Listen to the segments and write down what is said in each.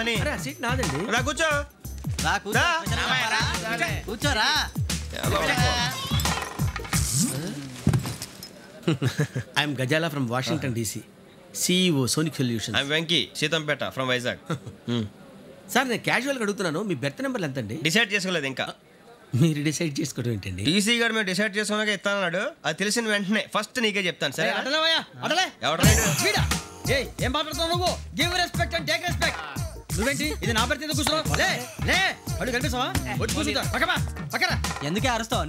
Seat నాదండి. రా కూర్చో. కూర్చోరా. I'm Gazala from Washington DC, CEO Sonic solutions. I'm Venky Seethampeta from Vizag. Sir నేను క్యాజువల్గా అడుగుతున్నాను, మీ బెర్త్ నెంబర్లు ఎంత అండి? డిసైడ్ చేసుకోలేదు ఇంకా. మీరు డిసైడ్ చేసుకోవడం ఏంటండి? టీసీ గారు మేము డిసైడ్ చేసుకున్నాక ఇస్తానన్నాడు. అది తెలిసిన వెంటనే ఫస్ట్ నీకే చెప్తాను. సరే ఏం మాట్లాడుతున్నావు నువ్వు? Give respect and take respect. నువ్వేంటి ఇది నా పరిస్థితి కూర్చున్నావు? అడుగు కనిపిస్తావా? వచ్చి కూర్చుంటా. పక్కరా. ఎందుకే అరుస్తావు?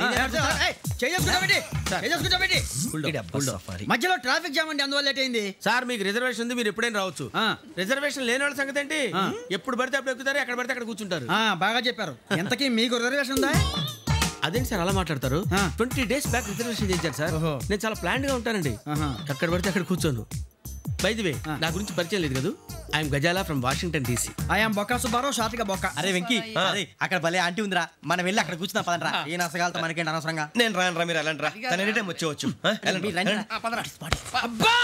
మధ్యలో ట్రాఫిక్ జామ్ అండి, అందువల్ల లేట్ అయింది. సార్ మీకు రిజర్వేషన్ ఉంది, మీరు ఎప్పుడైనా రావచ్చు. రిజర్వేషన్ లేని వాళ్ళ సంగతి ఏంటి? ఎప్పుడు పడితే అప్పుడు ఎక్కుతారు, ఎక్కడ పడితే అక్కడ కూర్చుంటారు. బాగా చెప్పారు. ఎంతకీ మీకు రిజర్వేషన్ ఉందా? అదేంటి సార్ అలా మాట్లాడతారు? 20 days బ్యాక్ రిజర్వేషన్ చేయించారు సార్. నేను చాలా ప్లాన్డ్ గా ఉంటానండి. అక్కడ పడితే అక్కడ కూర్చోను. బై ది వే, నా గురించి పరిచయం లేదు కదా. I'm Gazala from Washington DC. I'm Bokka Subbarao, షార్ట్గా బొక్క. అరే వెంకీ, అక్కడ భలే ఆంటీ ఉందిరా, మనం వెళ్ళి అక్కడ కూర్చున్నా పదనరా. ఏ నసగాలతో మనకేంటి అనవసరంగా. నేను రాను రా, మీరు వెళ్ళండి రా. తన ఎనీ టైం వచ్చేవచ్చు. అబ్బా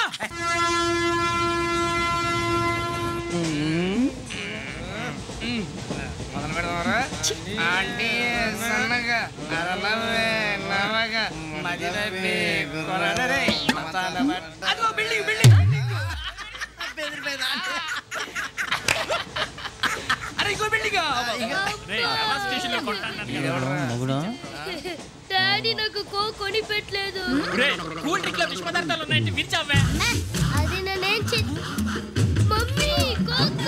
డాడీ నాకు కోక్ కొని పెట్టలేదు. కూల్ డ్రింక్ లో విష పదార్థాలు ఉన్నాయంటే విరిచావే. అది నేనేం మమ్మీ కోక్.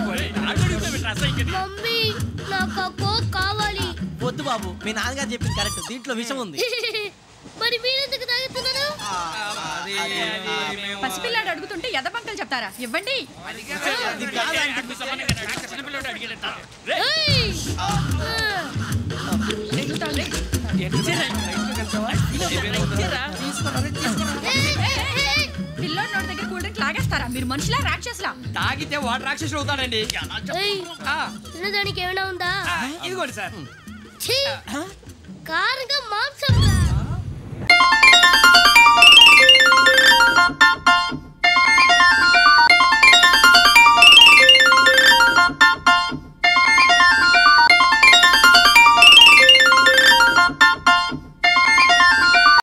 మమ్మీ నాకు ఆ కోక్ కావాలి. వద్దు బాబు, మీ నాన్నగారు చెప్పింది కరెక్ట్, దీంట్లో విషయం ఉంది. మరి మీరెందుకు తాగుతున్నారు? పసిపిల్లాడు అడుగుతుంటే ఎదబంకలు చెప్తారా? ఇవ్వండి. పిల్లోడి నోటి దగ్గర కూల్ డ్రింక్ లాగేస్తారా? మీరు మనుషులా రాక్షసులా? తాగితే వాడు రాక్షసుడు అవుతాడండి. తినడానికి ఏమైనా ఉందా? ఇదిగోండి సార్. కారంగా మాంసం.